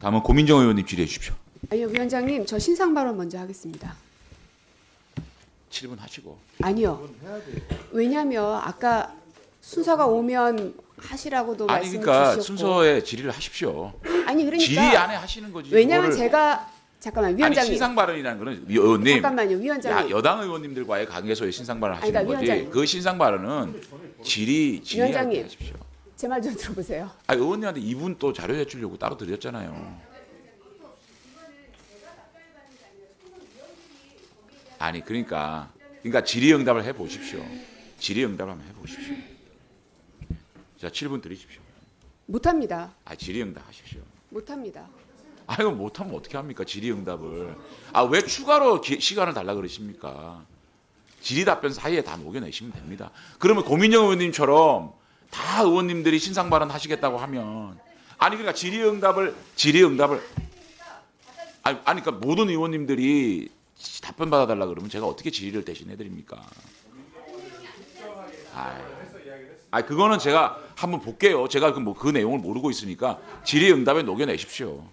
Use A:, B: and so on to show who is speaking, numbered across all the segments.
A: 다음은 고민정 의원님 질의해 주십시오.
B: 아니요, 위원장님, 저 신상 발언 먼저 하겠습니다.
A: 7분 하시고.
B: 아니요. 왜냐하면 아까 순서가 오면 하시라고도
A: 아니
B: 말씀
A: 그러니까
B: 주셨고.
A: 순서에 질의를 하십시오.
B: 아니 그러니까
A: 질의 안에 하시는 거지.
B: 왜냐하면
A: 그거를-
B: 제가 잠깐만
A: 아니
B: 위원장님.
A: 신상 발언이라는 거는 의원님.
B: 잠깐만요, 위원장님.
A: 여당 의원님들과의 관계에서의 신상 발언
B: 아니,
A: 하시는
B: 그러니까
A: 거지.
B: 위원장님.
A: 그 신상 발언은 질의할 때
B: 위원장님.
A: 하십시오.
B: 제 말 좀 들어보세요.
A: 아 의원님한테 이분 또 자료 제출요구 따로 드렸잖아요. 아니 그러니까 질의응답을 해 보십시오. 질의응답을 한번 해 보십시오. 자 7분 드리십시오.
B: 못합니다.
A: 아 질의응답 하십시오.
B: 못합니다.
A: 아 이거 못하면 어떻게 합니까? 질의응답을. 아 왜 추가로 시간을 달라 그러십니까? 질의 답변 사이에 다 녹여내시면 됩니다. 그러면 고민정 의원님처럼 다 의원님들이 신상 발언 하시겠다고 하면 아니 그러니까 질의응답을 아니 그러니까 모든 의원님들이 답변 받아달라 그러면 제가 어떻게 질의를 대신해 드립니까? 아 그거는 제가 한번 볼게요. 제가 그 내용을 모르고 있으니까 질의응답에 녹여내십시오.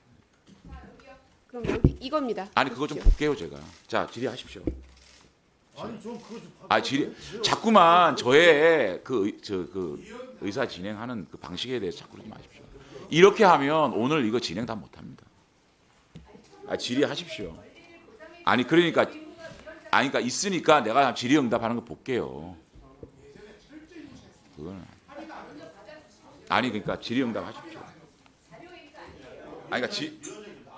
B: 그럼 여기 이겁니다.
A: 아니 그거 좀 볼게요 제가. 자 질의하십시오.
C: 아니 좀 그거 좀
A: 아 질의 자꾸만 저의 그 의사 진행하는 그 방식에 대해서 자꾸 그러지 마십시오. 이렇게 하면 오늘 이거 진행 다 못합니다. 아 질의하십시오. 아니 그러니까 있으니까 내가 질의응답하는 거 볼게요. 그거는 아니 그러니까 질의응답 하십시오. 아니 그러니까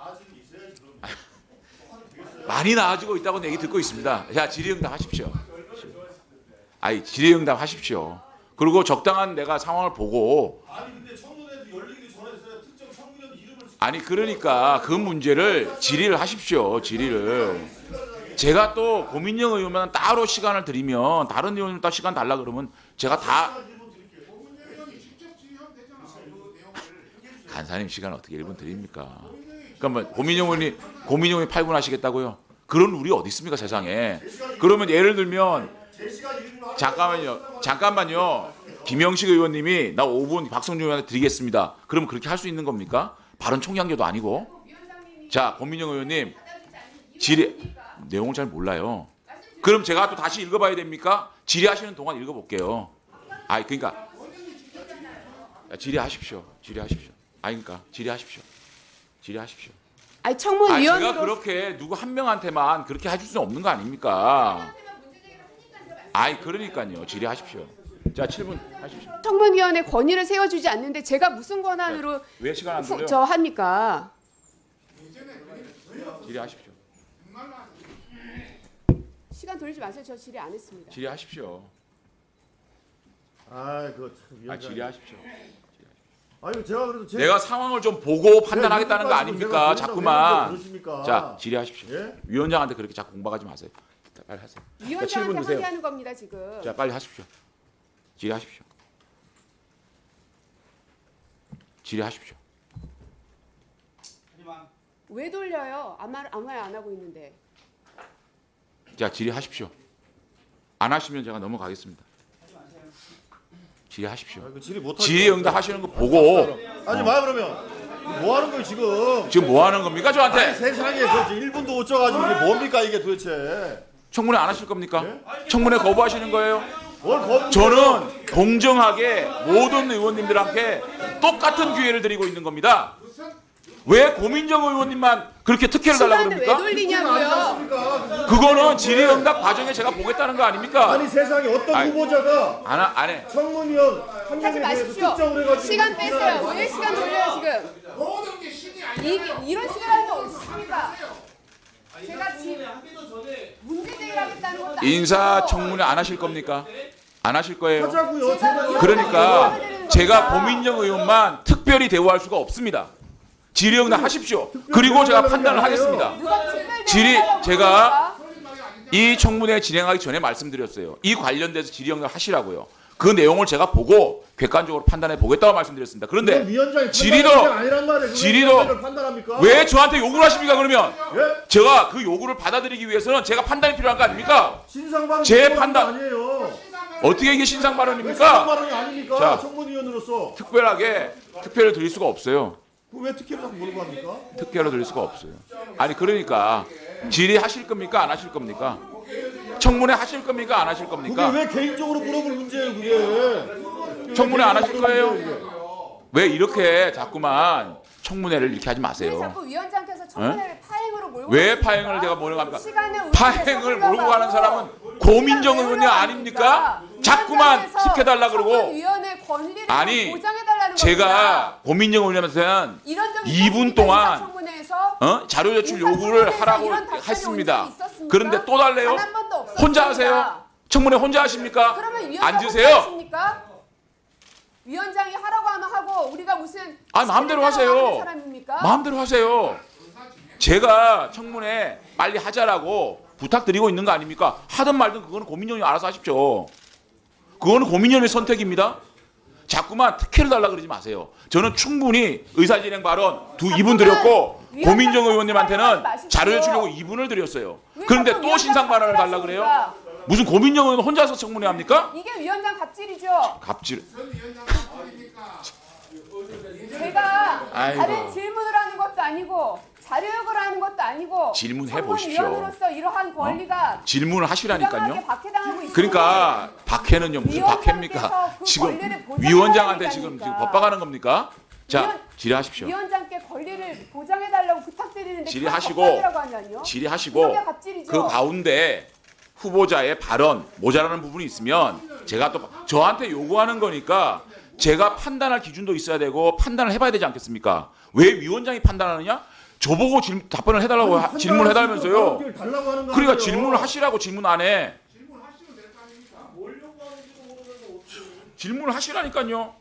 A: 많이 나아지고 있다고 얘기 듣고 있습니다. 자 질의응답 하십시오. 아니 질의응답 하십시오. 그리고 적당한 내가 상황을 보고
C: 아니 근데 청문회도 열리기 전에 특정 청문회도 이름을
A: 아니 그러니까 그 문제를 질의를 하십시오. 질의를 제가 또 고민정 의원만 따로 시간을 드리면 다른 의원님 따로 시간 달라 그러면 제가 다 간사님 시간 어떻게 1분 드립니까? 그러면 고민정 의원이 8분 하시겠다고요? 그런 룰이 어디 있습니까 세상에? 그러면 예를 들면 잠깐만요. 김영식 의원님이 나 5분 박성준 의원한테 드리겠습니다. 그러면 그렇게 할 수 있는 겁니까? 발언 총량제도 아니고. 자 고민정 의원님 질의 내용을 잘 몰라요. 그럼 제가 또 다시 읽어봐야 됩니까? 질의하시는 동안 읽어볼게요. 아니 그러니까 질의하십시오. 아니 그러니까 질의하십시오.
B: 아니
A: 아니
B: 청문위원으로
A: 제가 그렇게 누구 한 명한테만 그렇게 해줄 수는 없는 거 아닙니까? 아니 그러니까요. 질의하십시오. 자 7분 하십시오.
B: 청문위원회 권위를 세워주지 않는데 제가 무슨 권한으로
A: 왜 시간 안 돌려?
B: 저 합니까?
A: 질의하십시오.
B: 시간 돌리지 마세요. 저 질의 안 했습니다.
A: 질의하십시오.
C: 아 그거 참
A: 아
C: 위원장.
A: 질의하십시오.
C: 아니 제가 그래도
A: 내가 상황을 좀 보고 판단하겠다는 거 아닙니까? 자꾸만.
C: 그러십니까?
A: 자 질의하십시오.
C: 예?
A: 위원장한테 그렇게 자꾸 공박하지 마세요. 빨리 하세요. 자, 7분
B: 위원장한테
A: 드세요.
B: 항의하는 겁니다 지금.
A: 자 빨리 하십시오. 질의하십시오.
B: 왜 돌려요? 아무 말 안 하고 있는데.
A: 자 질의하십시오. 안 하시면 제가 넘어가겠습니다. 질의하십시오.
C: 아, 그 질의 못
A: 질의응답 하시는 거 보고
C: 아니 마 그러면 뭐 하는 거예요 지금?
A: 지금 뭐 하는 겁니까
C: 아니
A: 저한테?
C: 세상에 그 1분도 못 쪄가지고 이게 뭡니까 이게 도대체?
A: 청문회 안 하실 겁니까?
C: 예?
A: 청문회 거부하시는 거예요?
C: 뭘 겁니까?
A: 저는 공정하게 모든 의원님들한테 똑같은 기회를 드리고 있는 겁니다. 왜 고민정 의원님만 그렇게 특혜를 달라고
B: 시간을 왜
A: 그럽니까?
B: 돌리냐고요?
A: 그거는 질의응답 과정에 제가 보겠다는 거 아닙니까?
C: 아니 세상에 어떤
A: 아니,
C: 후보자가
A: 안 해.
C: 청문위원 한
B: 하지
C: 명에 대해서
B: 마십시오.
C: 특정을 해가지고
B: 시간 빼세요. 왜 시간 돌려요 지금? 이런 시간이 없습니다. 제가 지금 문제 제기하겠다는 것도 아니고.
A: 인사청문회 안 하실 겁니까? 안 하실 거예요.
C: 하자고요. 제가
A: 그러니까 제가 고민정 의원만 특별히 대우할 수가 없습니다. 질의응답 하십시오. 그리고 제가 판단을 하겠습니다.
B: 누가 특별
A: 질의
B: 대우하라고
A: 제가
B: 그럽니까?
A: 이 청문회 진행하기 전에 말씀드렸어요. 이 관련돼서 질의응답 하시라고요. 그 내용을 제가 보고 객관적으로 판단해 보겠다고 말씀드렸습니다. 그런데
C: 위원장이
A: 질의도
C: 아니란 말에
A: 질의도
C: 판단합니까?
A: 왜 저한테 요구를 하십니까? 그러면
C: 예?
A: 제가 그 요구를 받아들이기 위해서는 제가 판단이 필요한 거 아닙니까?
C: 신상발언
A: 제 판단-
C: 아니에요.
A: 어떻게 이게 신상
C: 왜
A: 발언입니까?
C: 신상발언이 아닙니까?
A: 자.
C: 청문위원으로서
A: 특별하게 특혜를 드릴 수가 없어요.
C: 그왜 특혜를 자꾸 몰고 합니까?
A: 특혜로 드릴 수가 없어요. 아니 그러니까 질의하실 겁니까 안 하실 겁니까? 청문회 하실 겁니까 안 하실
C: 그게
A: 겁니까?
C: 왜 개인적으로 물어볼 문제예요, 그게?
A: 청문회 안 하실 거예요?
C: 문제예요,
A: 왜 이렇게 자꾸만 청문회를 이렇게 하지
B: 왜
A: 마세요.
B: 자꾸 위원장께서 청문회를 파행으로 몰고
A: 왜
B: 가십니까?
A: 파행을 제가 몰아갑니까?
B: 시간을
A: 파행을 몰고 가는 사람은 고민정 의원이 아닙니까? 자꾸만 시켜달라 그러고
B: 위원회 권리를
A: 아니,
B: 보장해달라는
A: 제가 고민정 의원한테는 2분 동안 자료 제출 요구를 하라고 했습니다. 그런데 또 달래요? 혼자 하세요? 청문회 혼자 하십니까?
B: 그러면 위원장
A: 앉으세요.
B: 하십니까? 위원장이 하라고 하면 하고 우리가 무슨
A: 마음대로 하세요.
B: 하는 사람입니까?
A: 마음대로 하세요. 제가 청문회 빨리 하자라고 부탁드리고 있는 거 아닙니까? 하든 말든 그거는 고민정이 알아서 하십시오. 그거는 고민정의 선택입니다. 자꾸만 특혜를 달라 그러지 마세요. 저는 충분히 의사진행 발언 2분 드렸고 고민정 의원님한테는 자료 제출요구 2분을 드렸어요. 그런데 또 신상 발언을 달라 그래요? 무슨 고민정 의원 혼자서 청문회 합니까?
B: 이게 위원장 갑질이죠.
A: 갑질.
B: 제가
A: 아이고.
B: 다른 질문을 하는 것도 아니고 자료 요구를 하는 것도 아니고
A: 질문해 보십시오.
B: 청문위원으로서 이러한 권리가
A: 질문을 하시라니까요.
B: 부당하게 박해당하고 있습니다.
A: 그러니까 박해는요 무슨 박해입니까?
B: 위원장께서 그
A: 지금
B: 권리를 보장해야
A: 위원장한테
B: 되니까.
A: 지금 법박하는 겁니까? 자 질의하십시오.
B: 위원장께 권리를 보장해달라고 부탁드리는데
A: 질의하시고,
B: 법박이라고 하냐뇨?
A: 질의하시고
B: 이게 갑질이죠.
A: 그 가운데 후보자의 발언 모자라는 부분이 있으면 제가 또 저한테 요구하는 거니까 제가 판단할 기준도 있어야 되고 판단을 해봐야 되지 않겠습니까? 왜 위원장이 판단하느냐? 저보고 답변을 해달라고 질문을 해달면서요. 그러니까 질문을 하시라고 질문 안 해. 질문을 하시라니까요.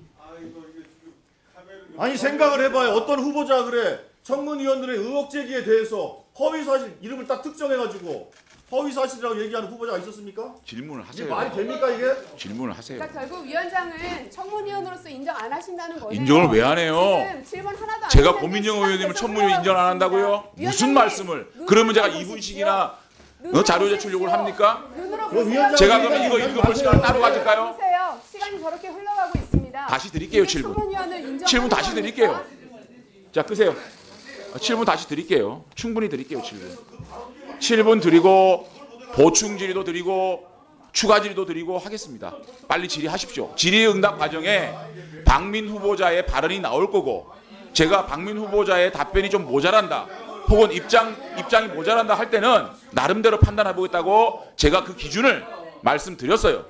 C: 아니 생각을 해봐요. 어떤 후보자 그래 청문위원들의 의혹 제기에 대해서 허위 사실 이름을 딱 특정해가지고 허위 사실이라고 얘기하는 후보자가 있었습니까?
A: 질문을
C: 이게
A: 하세요.
C: 말이 됩니까 이게?
A: 질문을 하세요.
B: 그러니까 결국 위원장은 청문위원으로서 인정 안 하신다는 거예요.
A: 인정을 왜 안 해요?
B: 지금 질문 하나도 안
A: 제가
B: 했는데
A: 고민정
B: 시간
A: 의원님을
B: 계속
A: 청문회 인정 안 한다고요?
B: 흘러가고
A: 무슨
B: 있습니다.
A: 말씀을?
B: 위원장님,
A: 그러면 제가
B: 눈으로
A: 2분씩이나
B: 보십시오.
A: 자료 제출 요구를 합니까?
B: 눈으로
C: 그럼
B: 보세요.
C: 위원장-
A: 제가 그러면 이거 읽어볼 시간을 따로 가질까요?
B: 보세요. 시간이 저렇게 흘러가고 있습니다.
A: 다시 드릴게요,
B: 이게
A: 7분.
B: 청문위원을 인정하는
A: 7분 다시
B: 겁니까?
A: 드릴게요. 자 끄세요. 7분 다시 드릴게요. 충분히 드릴게요. 7분. 7분 드리고 보충 질의도 드리고 추가 질의도 드리고 하겠습니다. 빨리 질의하십시오. 질의응답 과정에 박민 후보자의 발언이 나올 거고 제가 박민 후보자의 답변이 좀 모자란다 혹은 입장이 모자란다 할 때는 나름대로 판단해 보겠다고 제가 그 기준을 말씀드렸어요.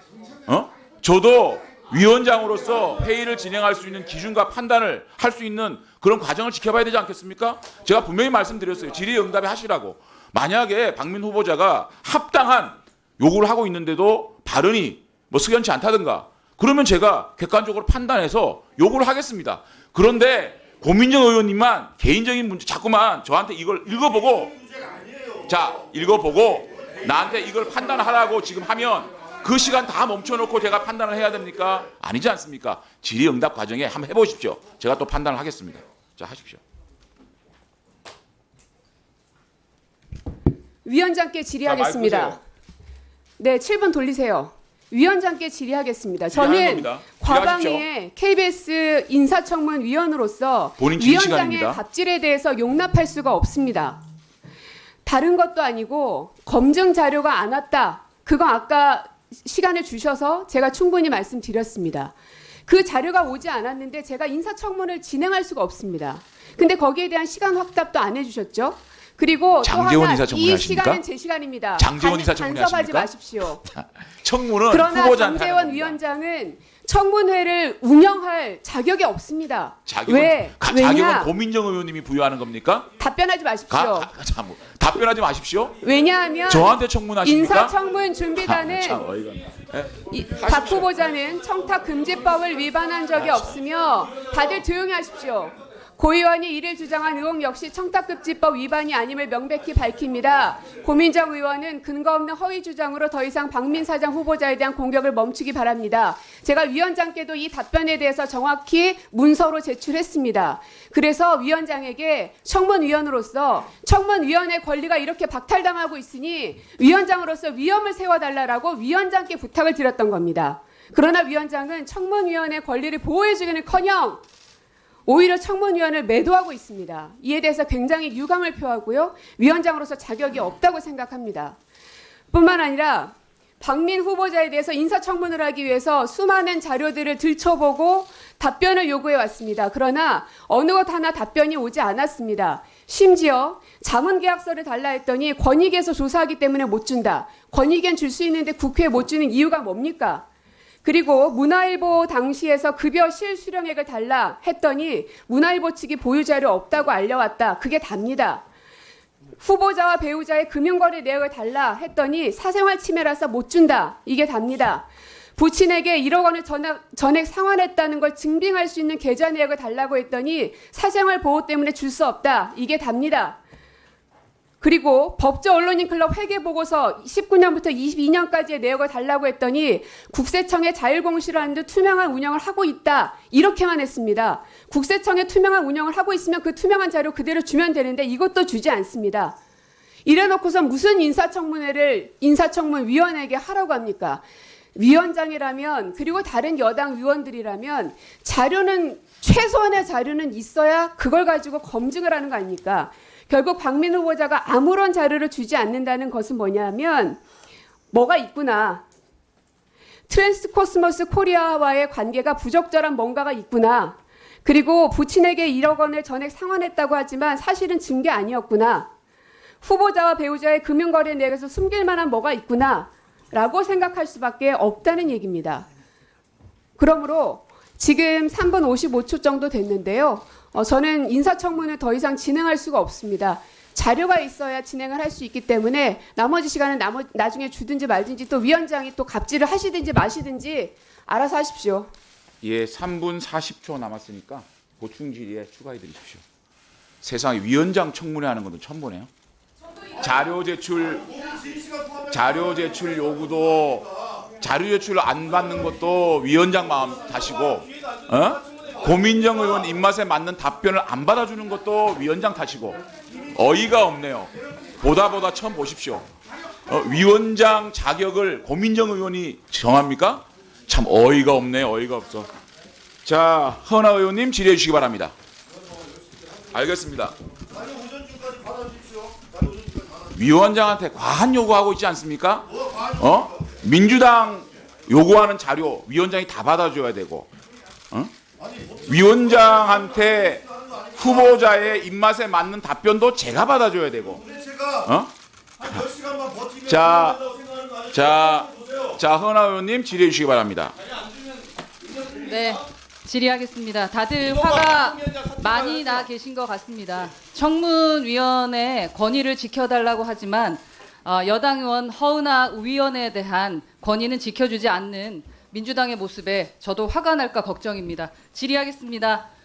A: 저도 위원장으로서 회의를 진행할 수 있는 기준과 판단을 할 수 있는 그런 과정을 지켜봐야 되지 않겠습니까? 제가 분명히 말씀드렸어요. 질의응답에 하시라고. 만약에 박민 후보자가 합당한 요구를 하고 있는데도 발언이 뭐 석연치 않다든가 그러면 제가 객관적으로 판단해서 요구를 하겠습니다. 그런데 고민정 의원님만 개인적인 문제 자꾸만 저한테 이걸 읽어보고 나한테 이걸 판단하라고 지금 하면 그 시간 다 멈춰놓고 제가 판단을 해야 됩니까? 아니지 않습니까? 질의응답 과정에 한번 해보십시오. 제가 또 판단을 하겠습니다. 자 하십시오.
B: 위원장께 질의하겠습니다.
A: 자, 마이크
B: 네, 7분 돌리세요. 위원장께 질의하겠습니다.
A: 질의하는
B: 저는
A: 겁니다.
B: 과방위의 KBS 인사청문위원으로서
A: 본인 질의
B: 위원장의
A: 시간입니다.
B: 갑질에 대해서 용납할 수가 없습니다. 다른 것도 아니고 검증 자료가 안 왔다. 그거 아까 시간을 주셔서 제가 충분히 말씀드렸습니다. 그 자료가 오지 않았는데 제가 인사청문을 진행할 수가 없습니다. 근데 거기에 대한 시간 확답도 안 해주셨죠? 그리고 또
A: 장제원
B: 하나
A: 인사청문회
B: 이
A: 하십니까?
B: 시간은 제 시간입니다.
A: 장제원 인사청문회
B: 간섭하지
A: 하십니까?
B: 마십시오.
A: 청문은
B: 그러나
A: 후보자한테
B: 장제원
A: 하는 겁니다.
B: 위원장은 청문회를 운영할 자격이 없습니다. 왜?
A: 자격은
B: 왜냐?
A: 고민정 의원님이 부여하는 겁니까?
B: 답변하지 마십시오.
A: 답변하지 마십시오.
B: 왜냐하면
A: 저한테 청문하십니까?
B: 인사청문 준비단은
A: 참 어이가 없네.
B: 박 후보자는 청탁금지법을 위반한 적이 없으며 다들 조용히 하십시오. 고 의원이 이를 주장한 의혹 역시 청탁금지법 위반이 아님을 명백히 밝힙니다. 고민정 의원은 근거 없는 허위 주장으로 더 이상 박민 사장 후보자에 대한 공격을 멈추기 바랍니다. 제가 위원장께도 이 답변에 대해서 정확히 문서로 제출했습니다. 그래서 위원장에게 청문위원으로서 청문위원의 권리가 이렇게 박탈당하고 있으니 위원장으로서 위험을 세워달라고 위원장께 부탁을 드렸던 겁니다. 그러나 위원장은 청문위원의 권리를 보호해주기는커녕 오히려 청문위원을 매도하고 있습니다. 이에 대해서 굉장히 유감을 표하고요. 위원장으로서 자격이 없다고 생각합니다. 뿐만 아니라 박민 후보자에 대해서 인사청문을 하기 위해서 수많은 자료들을 들춰보고 답변을 요구해 왔습니다. 그러나 어느 것 하나 답변이 오지 않았습니다. 심지어 자문계약서를 달라 했더니 권익위에서 조사하기 때문에 못 준다. 권익위엔 줄 수 있는데 국회에 못 주는 이유가 뭡니까? 그리고 문화일보 당시에서 급여 실수령액을 달라 했더니 문화일보 측이 보유자료 없다고 알려왔다. 그게 답니다. 후보자와 배우자의 금융거래 내역을 달라 했더니 사생활 침해라서 못 준다. 이게 답니다. 부친에게 1억 원을 전액 상환했다는 걸 증빙할 수 있는 계좌 내역을 달라고 했더니 사생활 보호 때문에 줄 수 없다. 이게 답니다. 그리고 법조 언론인 클럽 회계보고서 19년부터 22년까지의 내역을 달라고 했더니 국세청에 자율공시를 하는 듯 투명한 운영을 하고 있다. 이렇게만 했습니다. 국세청에 투명한 운영을 하고 있으면 그 투명한 자료 그대로 주면 되는데 이것도 주지 않습니다. 이래놓고서 무슨 인사청문회를 인사청문위원회에게 하라고 합니까? 위원장이라면 그리고 다른 여당 의원들이라면 자료는 최소한의 자료는 있어야 그걸 가지고 검증을 하는 거 아닙니까? 결국 박민 후보자가 아무런 자료를 주지 않는다는 것은 뭐냐면 뭐가 있구나. 트랜스코스모스 코리아와의 관계가 부적절한 뭔가가 있구나. 그리고 부친에게 1억 원을 전액 상환했다고 하지만 사실은 준 게 아니었구나. 후보자와 배우자의 금융거래 내역에서 숨길 만한 뭐가 있구나. 라고 생각할 수밖에 없다는 얘기입니다. 그러므로 지금 3분 55초 정도 됐는데요. 저는 인사청문을 더 이상 진행할 수가 없습니다. 자료가 있어야 진행을 할 수 있기 때문에 나머지 시간은 나중에 주든지 말든지 또 위원장이 또 갑질을 하시든지 마시든지 알아서 하십시오.
A: 예, 3분 40초 남았으니까 보충 질의에 추가해 드리십시오. 세상에 위원장 청문회 하는 것도 처음 보네요. 자료 제출 요구도 자료 제출 안 받는 것도 위원장 마음 탓이고, 고민정 의원 입맛에 맞는 답변을 안 받아주는 것도 위원장 탓이고, 어이가 없네요. 보다 처음 보십시오. 위원장 자격을 고민정 의원이 정합니까? 참 어이가 없네요. 어이가 없어. 자, 허나 의원님 질의해 주시기 바랍니다. 알겠습니다. 위원장한테 과한 요구하고 있지 않습니까? 민주당 요구하는 자료 위원장이 다 받아줘야 되고, 위원장한테 후보자의 입맛에 맞는 답변도 제가 받아줘야 되고, 자, 허나 의원님 질의해 주시기 바랍니다.
D: 네, 질의하겠습니다. 다들 화가 많이 나 계신 것 같습니다. 청문위원회 권위를 지켜달라고 하지만 여당 의원 허은하 위원에 대한 권위는 지켜주지 않는 민주당의 모습에 저도 화가 날까 걱정입니다. 질의하겠습니다.